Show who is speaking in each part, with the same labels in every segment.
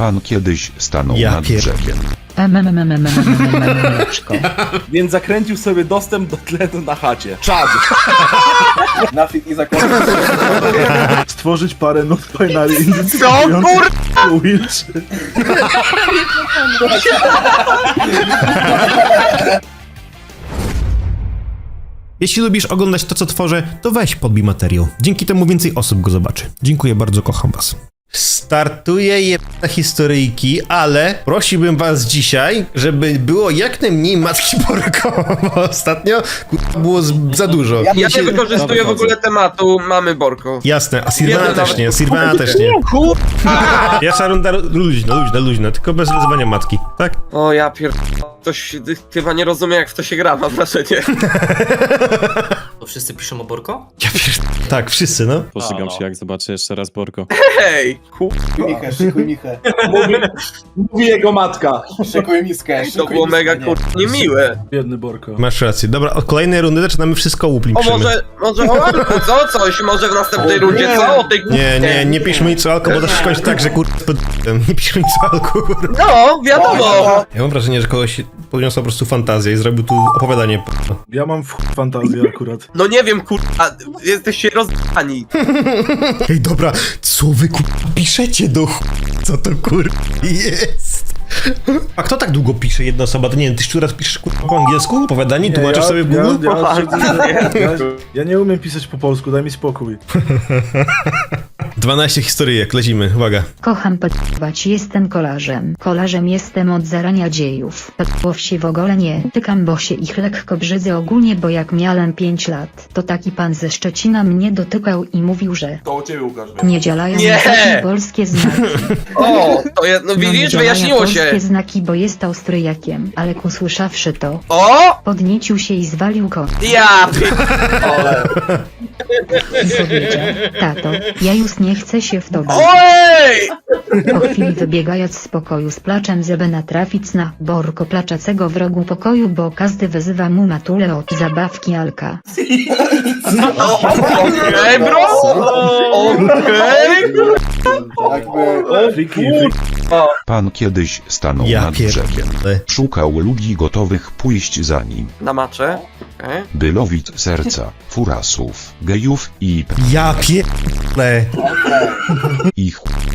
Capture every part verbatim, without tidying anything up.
Speaker 1: Pan kiedyś stanął
Speaker 2: Ja
Speaker 1: nad
Speaker 2: pier-
Speaker 1: brzegiem.
Speaker 3: Mleczko.
Speaker 4: Więc zakręcił sobie dostęp do tlenu na chacie. Czad!
Speaker 5: Nafik i zakład.
Speaker 6: Stworzyć parę nut binary
Speaker 4: Co kur...
Speaker 6: Wilczy.
Speaker 2: Jeśli lubisz oglądać to, co tworzę, to weź podbij materiał. Dzięki temu więcej osób go zobaczy. Dziękuję bardzo, kocham was. Startuję jedna historyjki, ale prosiłbym was dzisiaj, żeby było jak najmniej matki Borko, bo ostatnio k***a, było z, za dużo.
Speaker 7: Ja nie wykorzystuję w ogóle tematu mamy Borko.
Speaker 2: Jasne, a Sirvana
Speaker 7: Jeden
Speaker 2: też
Speaker 7: nawet-
Speaker 2: nie, Sirvana też nie. Pierwsza runda luźna, luźna, luźna, tylko bez wyzywania matki, tak?
Speaker 7: O ja pier... Ktoś chyba nie rozumie jak w to się gra, mam wrażenie.
Speaker 8: To wszyscy piszą o Borko?
Speaker 2: Ja pier... Tak, wszyscy, no.
Speaker 9: Pożygam się, jak zobaczę jeszcze raz Borko.
Speaker 7: Hej!
Speaker 5: Szykuj Michę, szykuj Michę.
Speaker 4: Mówi, mówi jego matka.
Speaker 5: Szykuj miskę,
Speaker 7: To
Speaker 5: szykuj
Speaker 7: było
Speaker 5: miskę,
Speaker 7: mega
Speaker 5: nie.
Speaker 7: kur... niemiłe.
Speaker 6: Biedny Borko.
Speaker 2: Masz rację. Dobra, od kolejnej rundy zaczynamy wszystko łuplim.
Speaker 7: O może, może o Alku, co? Coś może w następnej rundzie, co? O tej
Speaker 2: Nie, nie, nie piszmy nic o alko, bo to się kończy tak, że kur... Nie piszmy nic o alko, kur...
Speaker 7: No, wiadomo!
Speaker 2: Ja mam wrażenie, że kogoś podniosła po prostu fantazję i zrobił tu opowiadanie.
Speaker 6: Ja mam w chuj fantazję akurat.
Speaker 7: No nie wiem kurwa, jesteście rozdani.
Speaker 2: Ej, dobra, co wy kur... piszecie do ch... Co to kur... jest? A kto tak długo pisze, jedna osoba? To nie wiem, ty już raz piszesz kur... po angielsku? Opowiadanie? Tłumaczysz
Speaker 6: ja,
Speaker 2: sobie w
Speaker 6: ja,
Speaker 2: Google?
Speaker 6: ja, ja, ja, ja nie umiem pisać po polsku, daj mi spokój.
Speaker 2: dwanaście historyjek, lecimy, uwaga.
Speaker 3: Kocham podpływać, jestem kolarzem. Kolarzem jestem od zarania dziejów. Podpływ się w ogóle nie tykam, bo się ich lekko brzydzę ogólnie, bo jak miałem pięć lat, to taki pan ze Szczecina mnie dotykał i mówił, że
Speaker 4: To u ciebie, Łukasz.
Speaker 3: nie działają
Speaker 7: Nie!
Speaker 3: takie polskie znaki.
Speaker 7: O, to jest, no
Speaker 3: No nie
Speaker 7: widzisz,
Speaker 3: działają
Speaker 7: wyjaśniło
Speaker 3: polskie
Speaker 7: się.
Speaker 3: znaki, bo jest Austriakiem, ale usłyszawszy to,
Speaker 7: O!
Speaker 3: podniecił się i zwalił koń.
Speaker 7: Ja pier...
Speaker 3: I powiedział, tato, ja już nie chcę się w to bawić.
Speaker 7: Ojej!
Speaker 3: Po chwili wybiegając z pokoju z placzem, żeby natrafić na Borko placzącego w rogu pokoju, bo każdy wyzywa mu matulę od zabawki Alka.
Speaker 7: Okej, bro! Okej!
Speaker 5: Jakby...
Speaker 6: Friki, friki.
Speaker 1: Pan kiedyś stanął
Speaker 2: Ja
Speaker 1: nad
Speaker 2: pier...
Speaker 1: brzegiem. Szukał ludzi gotowych pójść za nim,
Speaker 7: Na macze. Okej.
Speaker 1: by lowić serca, furasów, gejów i
Speaker 2: Ja pier...
Speaker 1: ich.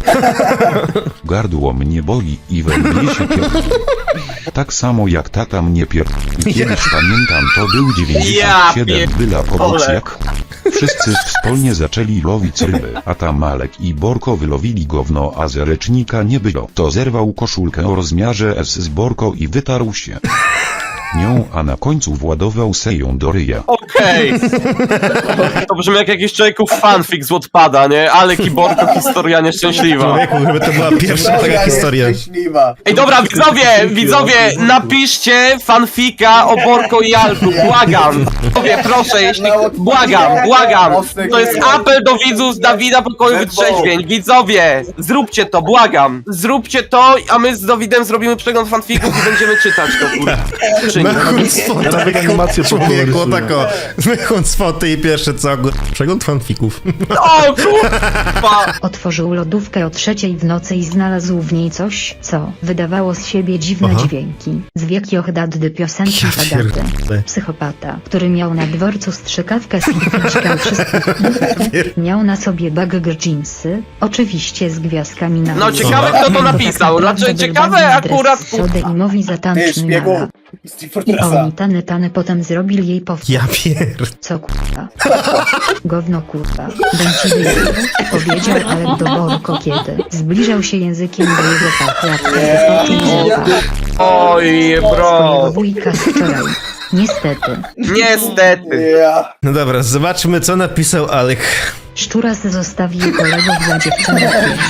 Speaker 1: Gardło mnie boli i we mnie się pier... Tak samo jak tata mnie pier... Kiedyś pamiętam, to był dziewięćdziesiąt siedem,
Speaker 7: Ja
Speaker 1: byla powódź
Speaker 7: pierdolę.
Speaker 1: jak... Wszyscy wspólnie zaczęli lowić ryby, a tam Malek i Borko wylowili gówno, a z ręcznika nie było. To zerwał koszulkę o rozmiarze S z Borko i wytarł się nią, a na końcu władował se ją do ryja.
Speaker 7: Okej. To brzmi jak jakiś człowieków fanfic z Wattpada, nie? Ale Kiborko, historia nieszczęśliwa.
Speaker 2: Człowieku, żeby to była pierwsza taka historia.
Speaker 5: Szczęśliwa.
Speaker 7: Ej, dobra, widzowie, widzowie, napiszcie fanfika o Borko i Alku, błagam. Widzowie, proszę, jeśli... Błagam, błagam. To jest apel do widzów z Dawida Pokoju Wytrzeźwień. Widzowie, zróbcie to, błagam. Zróbcie to, a my z Dawidem zrobimy przegląd fanfików i będziemy czytać to, kurwa.
Speaker 2: Mechun z foty,
Speaker 6: Ja nawet animację po
Speaker 2: człowieku,
Speaker 6: rysuję.
Speaker 2: tako. Mechun z foty i pierwsze co, gór- przegląd fanfików.
Speaker 7: O, kurwa.
Speaker 3: Otworzył lodówkę o trzeciej w nocy i znalazł w niej coś, co wydawało z siebie dziwne
Speaker 2: Aha.
Speaker 3: dźwięki. Zwiek Johdaddy piosenki
Speaker 2: Ja
Speaker 3: Agaty.
Speaker 2: pierdolę.
Speaker 3: Psychopata, który miał na dworcu strzykawkę z hitniczką wszystkich. Miał na sobie bagger jeansy, oczywiście z gwiazdkami na
Speaker 7: No,
Speaker 3: górze.
Speaker 7: ciekawe, kto to napisał.
Speaker 3: Tak
Speaker 7: Znaczy,
Speaker 3: naprawdę
Speaker 7: ciekawe
Speaker 3: był
Speaker 7: akurat,
Speaker 3: dres Sody i mowi za
Speaker 5: Ty,
Speaker 3: tanczny
Speaker 5: szpiegu.
Speaker 3: nara.
Speaker 5: Steve
Speaker 3: I
Speaker 5: Fortressa.
Speaker 3: oni tany tany potem zrobili jej powtórkę.
Speaker 2: Ja pier...
Speaker 3: Co kurwa? Gówno kurwa. Dęci wyjechał. Powiedział Alek do Borko, kiedy zbliżał się językiem do jego pachy, a wtedy poczuł zapach
Speaker 7: Oj, bro.
Speaker 3: swojego wujka z wczoraj. Niestety.
Speaker 7: Niestety.
Speaker 5: Ja.
Speaker 2: No dobra, zobaczmy co napisał Alek.
Speaker 3: Szczuras zostawił kolegów dla dziewczyny.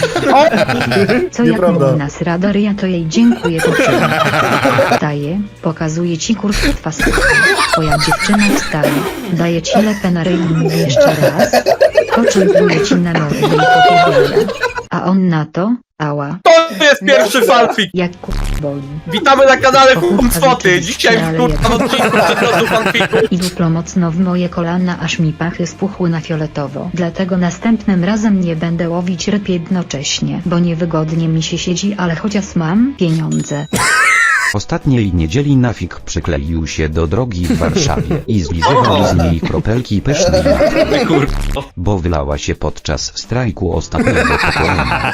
Speaker 3: Co jak
Speaker 6: Nieprawda.
Speaker 3: mówi nas Radaria, to jej dziękuję po czym. Daje, pokazuje ci kurwa sypka. Twoja dziewczyna wstaje, daje ci lepę na ryj i mówi jeszcze raz. Po czym pluje ci na mordę i popierdala. A on na to, ała.
Speaker 7: To jest pierwszy fanfic.
Speaker 3: Jak kurwa boli.
Speaker 7: Witamy na kanale
Speaker 3: Pochówka
Speaker 7: Kumcwoty.
Speaker 3: rzeczywiście,
Speaker 7: Dzisiaj
Speaker 3: ale
Speaker 7: w kurwa
Speaker 3: jak-
Speaker 7: odcinku przeglądu fanfiku.
Speaker 3: I duplo mocno w moje kolana, aż mi pachy spuchły na fioletowo. Dlatego następnym razem nie będę łowić ryb jednocześnie, bo niewygodnie mi się siedzi, ale chociaż mam pieniądze.
Speaker 1: Ostatniej niedzieli Nafik przykleił się do drogi w Warszawie i zlizywał z niej kropelki pysznej nafty, bo wylała się podczas strajku ostatniego pokolenia.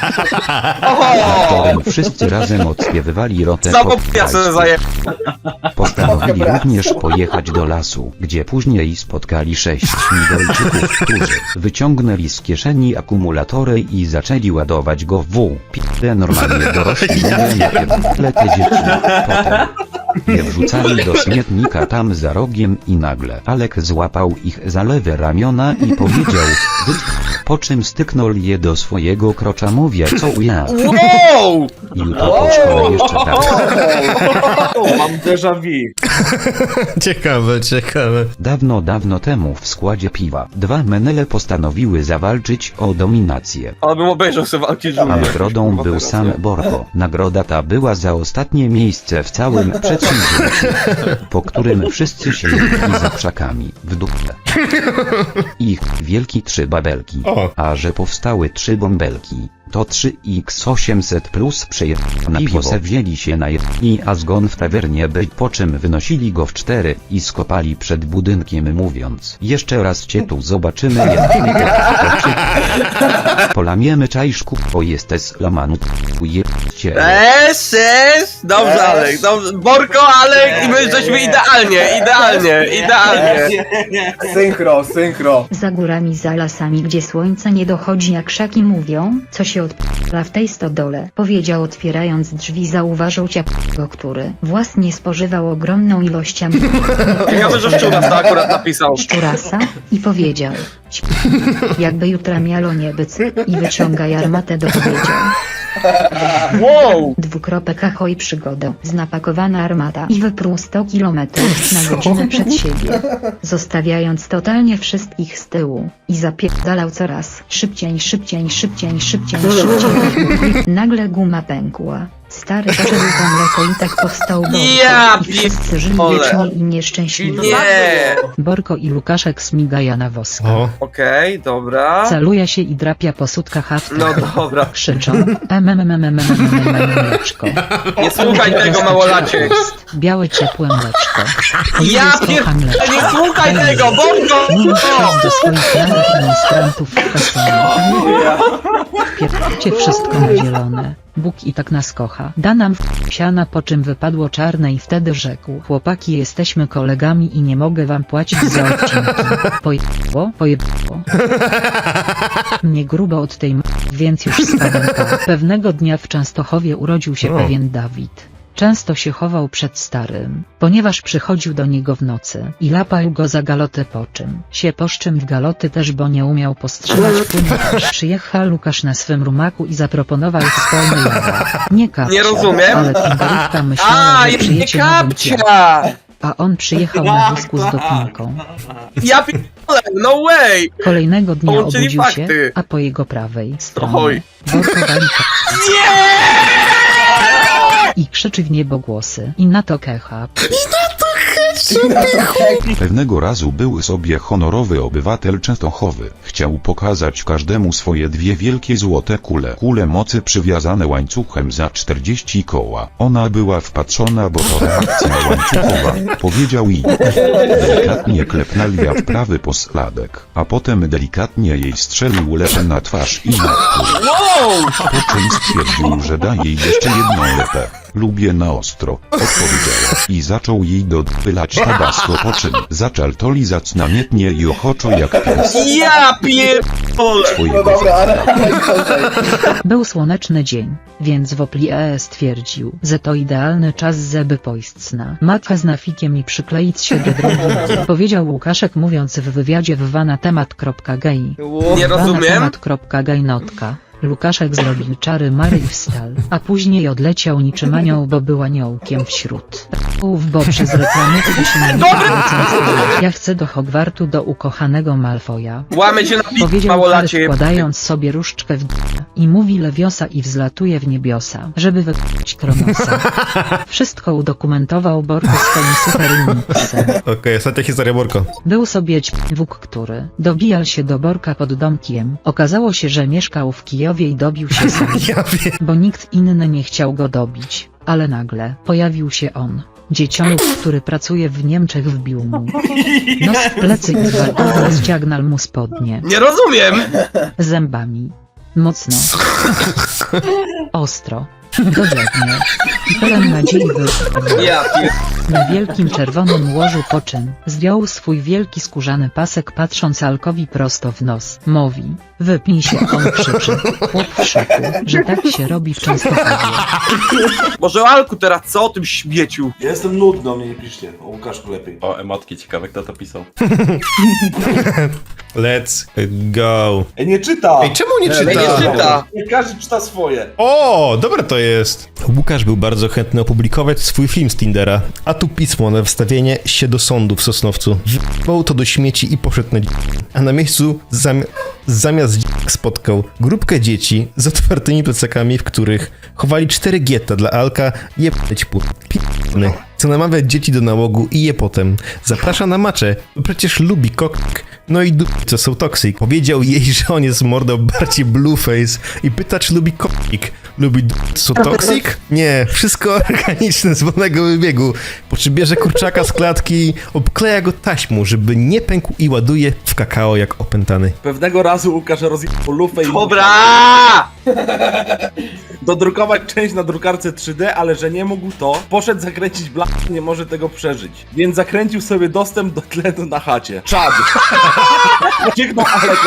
Speaker 1: Na którym wszyscy razem odśpiewywali rotę
Speaker 7: Zapomniał sobie zaje...
Speaker 1: Postanowili również pojechać do lasu, gdzie później spotkali sześć Migolczyków, którzy wyciągnęli z kieszeni akumulatory i zaczęli ładować go w W. P***e normalnie dorośli, nie najpierw te dzieci, potem je wrzucali do śmietnika tam za rogiem i nagle Alek złapał ich za lewe ramiona i powiedział wy... po czym styknął je do swojego krocza, mówię co ja.
Speaker 7: Wow!
Speaker 1: I jutro po szkole jeszcze tak.
Speaker 4: Mam déjà vu.
Speaker 2: Ciekawe, ciekawe.
Speaker 1: Dawno, dawno temu w składzie piwa dwa menele postanowiły zawalczyć o dominację.
Speaker 7: Ale bym obejrzał sobie walki
Speaker 1: A
Speaker 7: żółwie.
Speaker 1: nagrodą był sam Borko. Nagroda ta była za ostatnie miejsce w całym przedsięwzięciu, po którym wszyscy się jedli za krzakami w dupę. Ich wielki trzy babelki.
Speaker 2: O.
Speaker 1: A że powstały trzy bąbelki, to trzy iks osiemset plus przejechane piwo se wzięli się na jedni, a zgon w tawernie był, po czym wynosili go w cztery i skopali przed budynkiem, mówiąc jeszcze raz cię tu zobaczymy, jedni polamiemy czajszku, bo jesteś lamanu jebcie.
Speaker 7: Eee, jest! Dobrze, Alek, dobrze. Borko, Alek i my żeśmy idealnie, idealnie, idealnie.
Speaker 5: Synchro, synchro.
Speaker 3: Za górami, za lasami, gdzie słońce nie dochodzi, jak krzaki mówią, co się odpala w tej stodole, powiedział otwierając drzwi. Zauważył ciapko, który własnie spożywał ogromną ilość am-
Speaker 7: Ciekawe, że Szczuras to akurat napisał.
Speaker 3: szczurasa i powiedział: "Ć- jakby jutra miało nie być", i wyciąga armatę, dopowiedział.
Speaker 7: Wow!
Speaker 3: Dwukropek ahoj przygoda. Znapakowana armata i wypruł sto kilometrów na godzinę przed siebie, zostawiając totalnie wszystkich z tyłu. I zapierdalał coraz szybciej, szybciej, szybciej, szybciej, szybciej. Nagle guma pękła. Stary poszedł po mleko i tak powstał Borko.
Speaker 7: Ja
Speaker 3: I wszyscy żyli
Speaker 7: pierdolę.
Speaker 3: wiecznie i nieszczęśliwie.
Speaker 7: Nie!
Speaker 10: Borko i Lukaszek smigaja na woska.
Speaker 2: O.
Speaker 7: Okej, dobra.
Speaker 10: Caluje się i drapia po sutkach hafta.
Speaker 7: No dobra.
Speaker 10: Krzyczą mleczko.
Speaker 7: Nie słuchaj tego, małolaciek.
Speaker 10: Białe ciepłe mleczko.
Speaker 7: Ja pierdolę, nie słuchaj tego, Borko!
Speaker 10: Mówisz do swoich nowych ministrantów w kasonie. Pierdolcie wszystko na zielone. Bóg i tak nas kocha. Da nam w siana, po czym wypadło czarne i wtedy rzekł: chłopaki, jesteśmy kolegami i nie mogę wam płacić za odcinki. Pojebło? Pojebło. Mnie grubo od tej m***, więc już spadam pa. Pewnego dnia w Częstochowie urodził się
Speaker 2: O.
Speaker 10: pewien Dawid. Często się chował przed starym, ponieważ przychodził do niego w nocy i lapał go za galotę, po czym się poszczym w galoty też, bo nie umiał postrzelać płynu. Przyjechał Lukasz na swym rumaku i zaproponował wspólny jawa. Nie kapcia,
Speaker 7: Nie rozumiem.
Speaker 10: ale Timberówka myślała,
Speaker 7: A,
Speaker 10: że
Speaker 7: nie
Speaker 10: przyjecie nowym
Speaker 7: kapcia!
Speaker 10: pianem, a on przyjechał na wózku z dopinką.
Speaker 7: Ja pierdolę, no way!
Speaker 10: Kolejnego dnia
Speaker 7: Połączyli
Speaker 10: obudził się,
Speaker 7: fakty.
Speaker 10: a po jego prawej stronie
Speaker 7: Oj.
Speaker 10: Borko wali i krzyczy w niebo głosy. I na to kecha.
Speaker 1: Pewnego razu był sobie honorowy obywatel Częstochowy. Chciał pokazać każdemu swoje dwie wielkie złote kule. Kule mocy przywiązane łańcuchem za czterdzieści koła. Ona była wpatrzona, bo to reakcja łańcuchowa. Powiedział i delikatnie klepnął ja w prawy pośladek, a potem delikatnie jej strzelił lepę na twarz i na wpół. Po czym stwierdził, że da jej jeszcze jedną lepę. Lubię na ostro, odpowiedziała i zaczął jej dodpylać tabasco, po czym zaczął to lizać namiętnie i ochoczo jak pies
Speaker 7: Ja pierdolę!
Speaker 5: No
Speaker 1: swojego
Speaker 5: dobra, ale...
Speaker 10: Był słoneczny dzień, więc Wopli E stwierdził, że to idealny czas, żeby pójść na matkę z Nafikiem i przykleić się do drogi. Powiedział Łukaszek, mówiąc w wywiadzie w wanatemat.gay.
Speaker 7: Nie rozumiem.
Speaker 10: Wanatemat.gay notka. Lukaszek zrobił czary Mary i wstał, a później odleciał niczym anioł, bo był aniołkiem wśród w bo przez reklamy to się nie Ja chcę do Hogwartu do ukochanego Malfoja.
Speaker 7: Łamy się na pik,
Speaker 10: Powiedział Harry
Speaker 7: małolacie.
Speaker 10: wkładając sobie różdżkę w d... i mówi Lewiosa i wzlatuje w niebiosa, żeby wykupić Kronosa. Wszystko udokumentował Borko swoim superlimiksem.
Speaker 2: Okej, ostatnia historia, Borko.
Speaker 10: Był sobie ćwóg, który dobijał się do Borka pod domkiem. Okazało się, że mieszkał w Kijowie i dobił się sam,
Speaker 2: Ja wiem.
Speaker 10: bo nikt inny nie chciał go dobić. Ale nagle pojawił się on. Dziecioluk, który pracuje w Niemczech, wbił mu nos w plecy i gwałtownie ściagnął mu spodnie.
Speaker 7: Nie rozumiem!
Speaker 10: Zębami. Mocno. Ostro. Dogodnie. I pełen nadziei wyszedł.
Speaker 7: Ja pier...
Speaker 10: Na wielkim czerwonym łożu, po czym zdjął swój wielki skórzany pasek, patrząc Alkowi prosto w nos. Mówi: wypnij się, on krzyczy. Chłop w szoku, że tak się robi w Częstochowie.
Speaker 7: Może o Alku teraz, co o tym śmieciu?
Speaker 6: Ja jestem nudny, o mnie nie piszcie. O Łukaszku lepiej.
Speaker 9: O, emotki, ciekawe kto to pisał.
Speaker 2: Let's go.
Speaker 6: Ej, nie czyta!
Speaker 2: Ej, czemu nie czyta?
Speaker 7: Ej, nie czyta.
Speaker 6: Nie każdy czyta swoje.
Speaker 2: O, dobre to jest. Łukasz był bardzo chętny opublikować swój film z Tindera, a tu pismo na wstawienie się do sądu w Sosnowcu. Wziął to do śmieci i poszedł na dzi- a na miejscu zami- zamiast dzi- spotkał grupkę dzieci z otwartymi plecakami, w których chowali cztery gietta dla Alka. Jebać pu... P***ny. Co namawia dzieci do nałogu i je potem. Zaprasza na macze, bo przecież lubi kok... No i d***, co są toksik. Powiedział jej, że on jest mordą bardziej blueface i pyta, czy lubi kopik. Lubi d***, co toksik? Nie, wszystko organiczne z wolnego wybiegu. Po czym bierze kurczaka z klatki, obkleja go taśmą, żeby nie pękł i ładuje w kakao jak opętany.
Speaker 4: Pewnego razu Łukasz rozjechał lufę i
Speaker 7: Dobra!
Speaker 4: dodrukować część na drukarce trzy D, ale że nie mógł to, poszedł zakręcić bla, nie może tego przeżyć. Więc zakręcił sobie dostęp do tlenu na chacie. Czad! Ucieknął Aleka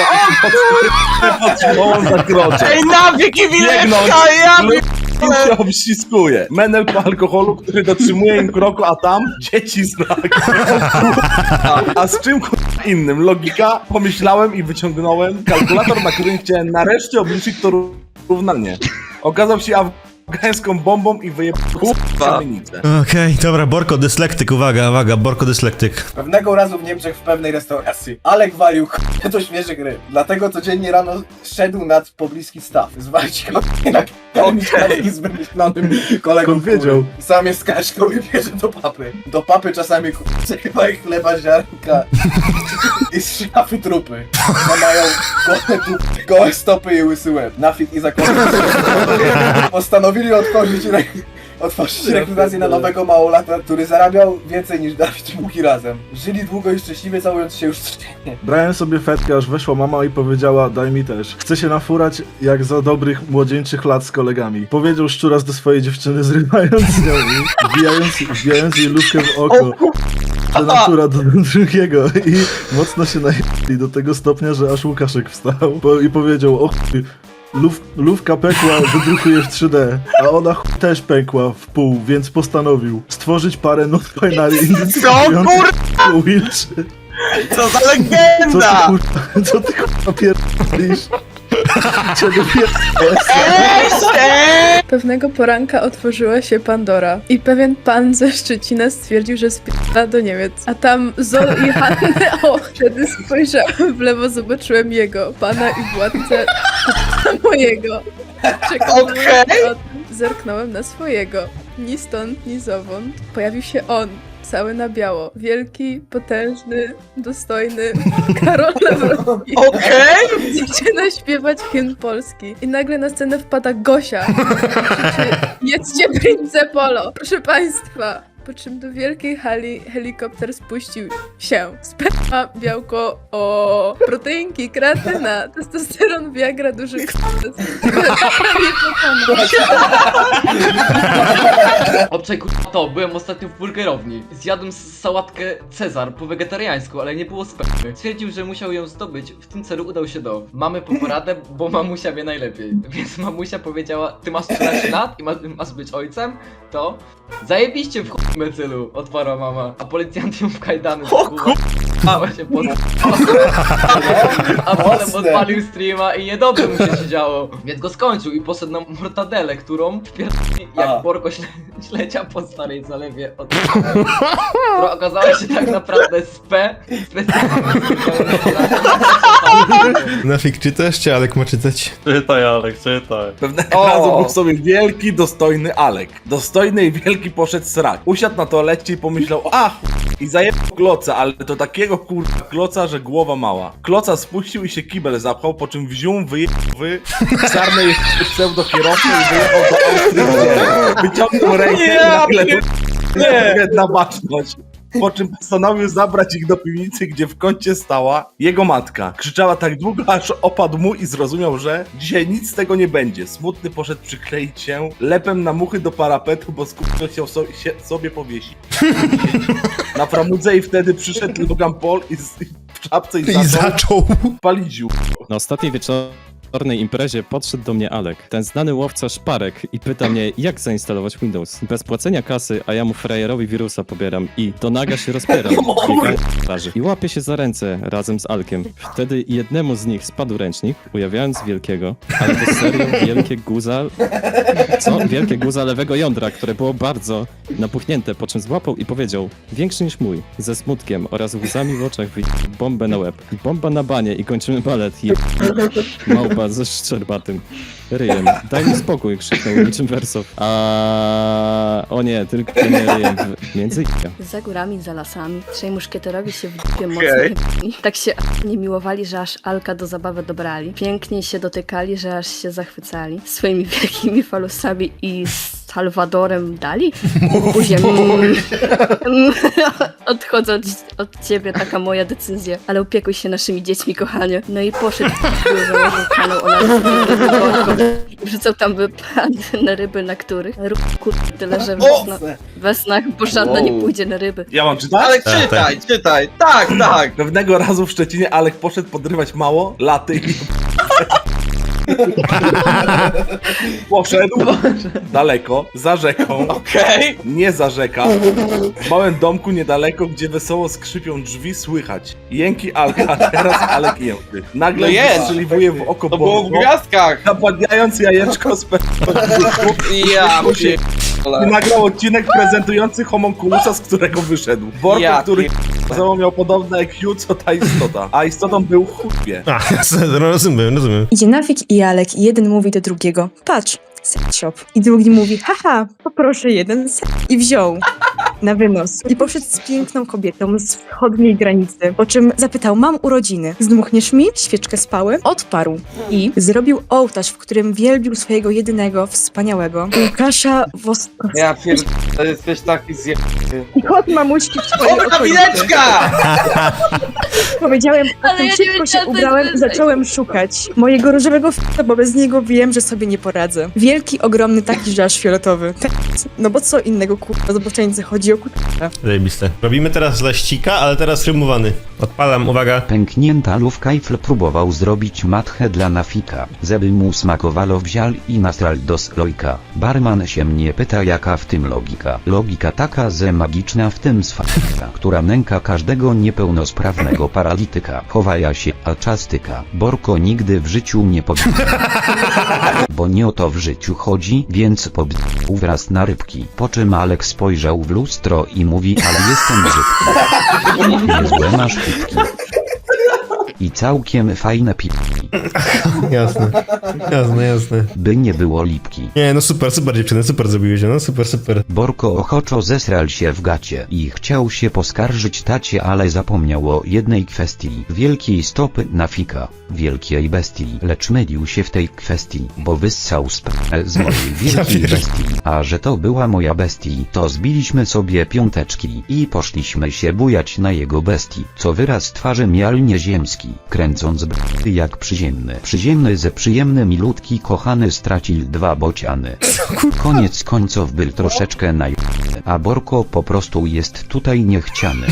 Speaker 4: i podtrzymał za krocze.
Speaker 7: Ej, nawyk i
Speaker 4: Biegnąc,
Speaker 7: wileczka, ja
Speaker 4: Lub się obściskuje. Menel po alkoholu, który dotrzymuje im kroku, a tam dzieci znak. A, a z czym k***a innym? Logika? Pomyślałem i wyciągnąłem kalkulator, na którym chciałem nareszcie obliczyć to równanie. Okazał się afgańską bombą i wyjebał kamienicę.
Speaker 2: Okej, dobra, Borko dyslektyk, uwaga, uwaga, Borko dyslektyk.
Speaker 5: Pewnego razu w Niemczech w pewnej restauracji Alek walił k***a do świeże gry. Dlatego codziennie rano szedł nad pobliski staw. Zwalić go na k***a z wymyślonym kolegą.
Speaker 6: Skąd wiedział?
Speaker 5: który Sam jest kaszką i bierze do papy. Do papy czasami k***a kawałek chleba, ziarnka i z szafy trupy. No mają gołe, dupy, gołe stopy i łysy łeb. Na fit i zakładam. Postanowili otworzyć re... otworzyć rekrutację na nowego małolata, który zarabiał więcej niż Dawid i Buki razem. Żyli długo i szczęśliwie, całując się już codziennie.
Speaker 6: Brałem sobie fetkę, aż weszła mama i powiedziała: daj mi też. Chcę się nafurać jak za dobrych młodzieńczych lat z kolegami. Powiedział szczuras do swojej dziewczyny, zrywając z nią i wbijając, wbijając jej lufkę w oko. Że natura do drugiego i mocno się najechali do tego stopnia, że aż Łukaszek wstał po, i powiedział: o chuj, luf, lufka pękła, wydrukuje w trzy D, a ona chuj też pękła w pół, więc postanowił stworzyć parę non-binary identyfikujących Wilczy.
Speaker 7: Co za
Speaker 6: Co ty
Speaker 7: legenda!
Speaker 6: kurwa, co ty kurwa pierdolisz? Czego pierdolisz?
Speaker 11: Pewnego poranka otworzyła się Pandora i pewien pan ze Szczecina stwierdził, że spierdala do Niemiec. A tam Zol i Hannę, o, wtedy spojrzałem w lewo, zobaczyłem jego, pana i władcę mojego. Czekałem
Speaker 7: Okej.
Speaker 11: na to. Zerknąłem na swojego. Ni stąd, ni zowąd. Pojawił się on. Cały na biało. Wielki, potężny, dostojny Karol Nawrocki.
Speaker 7: Okej!
Speaker 11: Zaczyna śpiewać hymn polski. I nagle na scenę wpada Gosia. Krzyczy: jedzcie Prince Polo! Proszę państwa! Po czym do wielkiej hali helikopter spuścił się. Sperma, białko, o proteinki, kreatyna, testosteron, viagra, duży k***c. Prawie pokonał.
Speaker 8: Obczaj kurwa to, byłem ostatnio w burgerowni. Zjadłem s- sałatkę Cezar po wegetariańsku, ale nie było spermy. Stwierdził, że musiał ją zdobyć. W tym celu udał się do mamy po poradę, bo mamusia wie najlepiej. Więc mamusia powiedziała: ty masz trzynaście lat i masz, masz być ojcem? To zajebiście w chuj mecylu, odparła mama. A policjant ją w kajdany
Speaker 7: O
Speaker 8: zakuwa. Właśnie pod... A potem odpalił streama i niedobrze mu się działo. Więc go skończył i poszedł na mortadelę, którą wpierdolił jak
Speaker 5: A.
Speaker 8: Borko śle ślecia po starej zalewie od... która okazała się tak naprawdę spe.
Speaker 2: Nafik, czytasz, czy Alek ma czytać?
Speaker 9: Czytaj, Alek, czytaj.
Speaker 4: Pewnego razu był sobie wielki, dostojny Alek. Dostojny i wielki poszedł srać. Usiadł na toalecie i pomyślał, a chuj, i zajebał kloca, ale to takiego kurwa kloca, że głowa mała. Kloca spuścił i się kibel zapchał, po czym wziął, wyjechał wy czarnej pseudo-kierowcy i wyjechał do Austrii. Wyciągnął rękę i nagle nie. na baczność. Po czym postanowił zabrać ich do piwnicy, gdzie w kącie stała jego matka. Krzyczała tak długo, aż opadł mu i zrozumiał, że dzisiaj nic z tego nie będzie. Smutny poszedł przykleić się lepem na muchy do parapetu, bo skupił chciał so się sobie powiesić. Na framudze i wtedy przyszedł Logan Paul i, z, i w czapce i
Speaker 2: I
Speaker 4: zaczął
Speaker 2: zaczął.
Speaker 4: palić dziób.
Speaker 12: Na ostatniej wieczornej imprezie podszedł do mnie Alek, ten znany łowca szparek i pyta mnie, jak zainstalować Windows. Bez płacenia kasy, a ja mu frajerowi wirusa pobieram i do naga się rozpieram. biegając po plaży. I łapię się za ręce razem z Alkiem. Wtedy jednemu z nich spadł ręcznik, ujawniając wielkiego, ale to serio wielkie guza... Co? Wielkie guza lewego jądra, które było bardzo napuchnięte, po czym złapał i powiedział, większy niż mój, ze smutkiem oraz łzami w oczach wyjdzie bombę na łeb. Bomba na banie i kończymy balet. Je... Małpa ze szczerbatym ryjem. Daj mi spokój, krzyknął niczym wersow. A o nie, tylko nie ryjem. W... Między
Speaker 13: Za górami, za lasami, trzej muszkieterowie się w dupie mocno jebali. Tak się nie miłowali, że aż Alka do zabawy dobrali. Pięknie się dotykali, że aż się zachwycali. Swoimi wielkimi falusami i Salwadorem dali? Buzię. Odchodzę od, od ciebie, taka moja decyzja. Ale opiekuj się naszymi dziećmi, kochanie. No i poszedł w założył kanał o nas. Wrzucał tam wypadne ryby, na których rób kur... tyle, że wesna, wesnach, bo żadna nie pójdzie na ryby.
Speaker 4: Ja mam czytać?
Speaker 7: Alek, czytaj, czytaj. Tak, tak.
Speaker 4: Pewnego razu w Szczecinie Alek poszedł podrywać mało, laty i... Poszedł daleko, za rzeką,
Speaker 7: Okej.
Speaker 4: nie za rzeka, w małym domku niedaleko, gdzie wesoło skrzypią drzwi, słychać jęki Alka, teraz Alek jęty. Nagle
Speaker 7: No jest.
Speaker 4: wystrzeliwuje w oko
Speaker 7: To było w
Speaker 4: Borko,
Speaker 7: gwiazdkach.
Speaker 4: napadając jajeczko z perspektywy
Speaker 7: Ja
Speaker 4: i nagrał odcinek prezentujący homunculusa, z którego wyszedł. Borko,
Speaker 7: Ja
Speaker 4: który miał podobne I Q co ta istota, a istotą był chłopie.
Speaker 2: A, rozumiem, rozumiem.
Speaker 11: Idzie Nafik i Alek i jeden mówi do drugiego, patrz, sex shop. I drugi mówi, haha, poproszę jeden set. I wziął na wynos. I poszedł z piękną kobietą z wschodniej granicy, po czym zapytał, mam urodziny, zdmuchniesz mi świeczkę z pały? Odparł. I zrobił ołtarz, w którym wielbił swojego jedynego, wspaniałego Łukasza Woskowskiego.
Speaker 7: Ja pierdolę, jesteś taki zje...
Speaker 11: I kot mamuśki w twojej
Speaker 7: O,
Speaker 11: okolicy.
Speaker 7: kabineczka!
Speaker 11: Powiedziałem,
Speaker 13: Ale
Speaker 11: potem
Speaker 13: ja nie
Speaker 11: szybko się
Speaker 13: wiedziałam, co
Speaker 11: ubrałem
Speaker 13: jest
Speaker 11: i zacząłem szukać mojego różowego f***a, bo bez niego wiem, że sobie nie poradzę. Wielki, ogromny, taki, że aż fioletowy. No bo co innego, kurwa, zboczeńcy, chodzi o kurwa.
Speaker 2: Zajebiste. Robimy teraz laścika, ale teraz rymowany. Odpalam, uwaga.
Speaker 1: Pęknięta lówkajfl próbował zrobić matchę dla Nafika, żeby mu smakowało wziął i nastral do slojka. Barman się mnie pyta, jaka w tym logika. Logika taka, że magiczna w tym sfakta, która nęka każdego niepełnosprawnego paralityka. Chowaja się, a czas tyka. Borko nigdy w życiu nie pobił. Bo nie o to w życiu chodzi, więc pobił wraz na rybki. Po czym Alek spojrzał w lustro i mówi, ale jestem brzydki. Niezłe masz pitki. I całkiem fajne pitki.
Speaker 2: Jasne, jasne, jasne.
Speaker 1: By nie było lipki.
Speaker 2: Nie, no super, super dziewczyny, super zrobiłeś, no super, super.
Speaker 1: Borko ochoczo zesrał się w gacie i chciał się poskarżyć tacie, ale zapomniał o jednej kwestii. Wielkiej stopy Nafika, wielkiej bestii. Lecz mylił się w tej kwestii, bo wyssał z, z mojej wielkiej bestii. A że to była moja bestii, to zbiliśmy sobie piąteczki i poszliśmy się bujać na jego bestii, co wyraz twarzy miał nieziemski, kręcąc b***y jak przyziemny. Przyziemny ze przyjemny milutki kochany stracił dwa bociany. Koniec końców był troszeczkę naj... a Borko po prostu jest tutaj niechciany.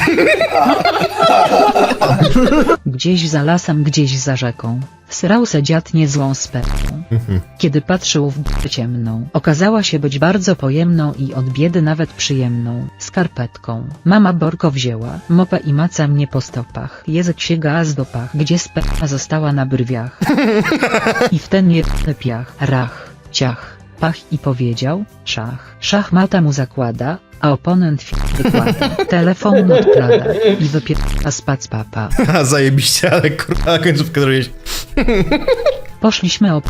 Speaker 10: Gdzieś za lasem, gdzieś za rzeką, srał se dziad niezłą spermą. Kiedy patrzył w b***ę ciemną, okazała się być bardzo pojemną i od biedy nawet przyjemną skarpetką. Mama Borko wzięła mopę i maca mnie po stopach. Język sięga aż do pach, gdzie sperma została na brwiach. I w ten jebany piach, rach, ciach, pach i powiedział, szach. Szachmata mu zakłada, a oponent f- wykłada. Telefon odklada i wypiera spać papa.
Speaker 2: Ha, zajebiście, ale kurwa, końcówkę zrobiłeś.
Speaker 10: Poszliśmy o...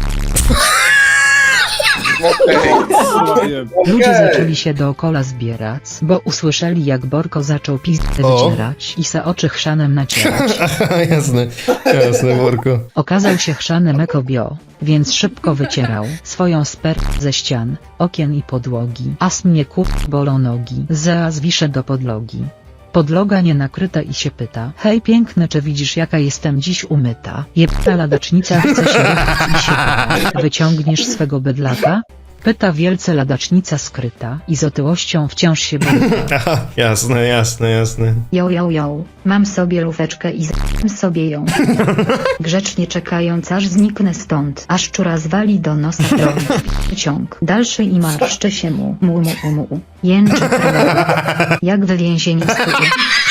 Speaker 10: Ludzie zaczęli się dookoła zbierać, bo usłyszeli jak Borko zaczął pizdę
Speaker 2: O.
Speaker 10: wycierać i se oczy chrzanem nacierać.
Speaker 2: Jasne, jasne, Borko.
Speaker 10: Okazał się chrzanem ekobio, więc szybko wycierał swoją spermę ze ścian, okien i podłogi. As mnie kup bolą nogi, zaraz wiszę do podlogi. Podloga nie nakryta i się pyta, hej piękny, czy widzisz jaka jestem dziś umyta? Jebta ladacznica chce się ruchać i się pyta, wyciągniesz swego bydlaka? Pyta wielce ladacznica skryta i z otyłością wciąż się boryka.
Speaker 2: Aha, jasne, jasne, jasne.
Speaker 3: Jo, jo, jo, mam sobie lufeczkę i z***am sobie ją. Grzecznie czekając aż zniknę stąd, aż szczura zwali do nosa drogi. Ciąg dalszy i marszczy się mu, mu, mu, mu, mu. Jęczy krwawo, jak w więzieniu studia.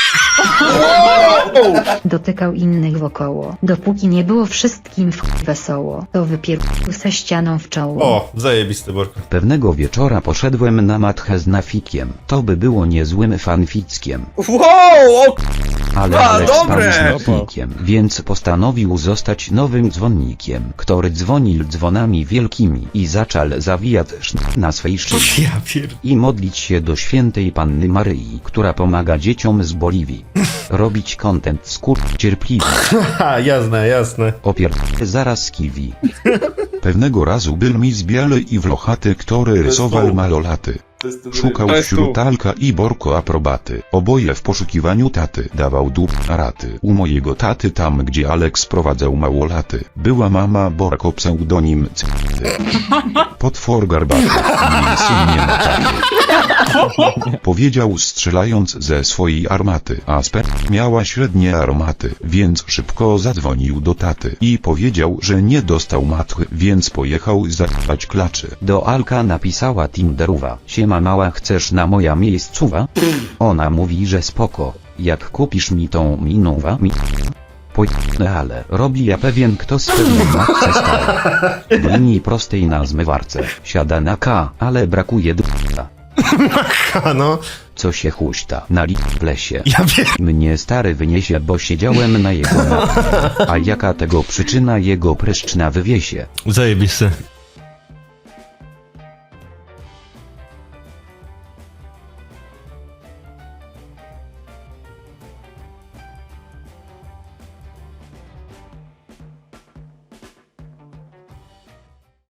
Speaker 3: Dotykał innych wokoło, dopóki nie było wszystkim w wesoło, to wypierdolił se ścianą w czoło.
Speaker 2: O, zajebisty, Borko.
Speaker 1: Pewnego wieczora poszedłem na matchę z Nafikiem. To by było niezłym fanfickiem.
Speaker 4: Wow! O,
Speaker 1: Ale
Speaker 4: A,
Speaker 1: Alex spał
Speaker 4: dobre!
Speaker 1: z Nafikiem, więc postanowił zostać nowym dzwonnikiem, który dzwonił dzwonami wielkimi i zaczął zawijać sznur na swej szyji.
Speaker 2: Ja pier...
Speaker 1: I modlić się do świętej Panny Maryi, która pomaga dzieciom z Boliwii. Robić content skur cierpliwy.
Speaker 2: Ha, jasne, jasne.
Speaker 1: Opier... zaraz kiwi. Pewnego razu był mis biały i wlochaty, który rysował malolaty. Szukał
Speaker 4: To jest
Speaker 1: wśród
Speaker 4: tu.
Speaker 1: Alka i Borko aprobaty. Oboje w poszukiwaniu taty. Dawał dup na raty. U mojego taty tam, gdzie Alek sprowadzał małolaty, była mama Borko, pseudonim C***ty. Potwór garbaty. Jej syn nie ma taty. Powiedział strzelając ze swojej armaty, a sperma miała średnie aromaty, więc szybko zadzwonił do taty i powiedział, że nie dostał matchy, więc pojechał zapać klaczy. Do Alka napisała Tinderowa: siema mała, chcesz na moja miejscowa? Ona mówi, że spoko, jak kupisz mi tą minową mi... Pojechane, ale robi ja pewien kto z pewną matce stał. W linii prostej na zmywarce siada na K, ale brakuje d***a.
Speaker 2: Ha, no.
Speaker 1: Co się huśta na li w lesie.
Speaker 2: Ja pier...
Speaker 1: Mnie stary wyniesie, bo siedziałem na jego matce. A jaka tego przyczyna, jego pryszcz na wywiesie?
Speaker 2: Zajebisty.